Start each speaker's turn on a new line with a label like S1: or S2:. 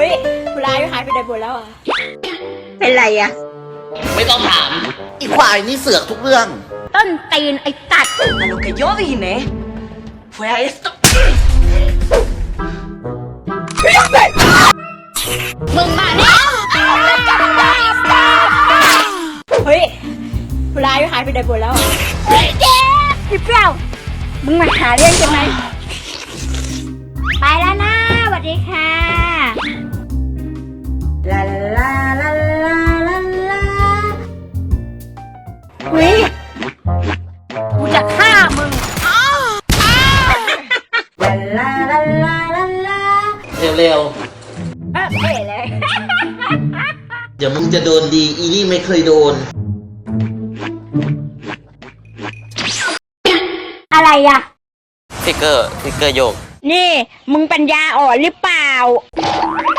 S1: ฮ้ยผู้ร้ายหายไปไหนหมดแล้วอ่ะ
S2: เป็นไรอะ
S3: ไม่ต้องถามอีควายนี่เสือกทุกเรื่อง
S2: ต้นตีนไอ้ตัด
S4: A lo que yo vine fue a esto.
S2: มึงมาเนี่ย
S1: เฮ้ยผู้ร้ายหายไปไหนหมดแล้วอ่ะ
S2: พี่เปรี้ยวมึงมาหาเรื่องใช่ไหมไปแล้วนะสวัสดีค่ะลาลาลาลาลาลาเฮ้ยกูจะฆ่ามึงลาลาลาลาลาลา
S3: เร็ว
S2: เอ๋เลย
S3: ๆเดี๋ยวมึงจะโดนดีอีนี่ไม่เคยโดน
S2: อะไรอ่ะ
S5: ฟิกเกอร์โยก
S2: นี่มึงปัญญาอ่อนหรือเปล่า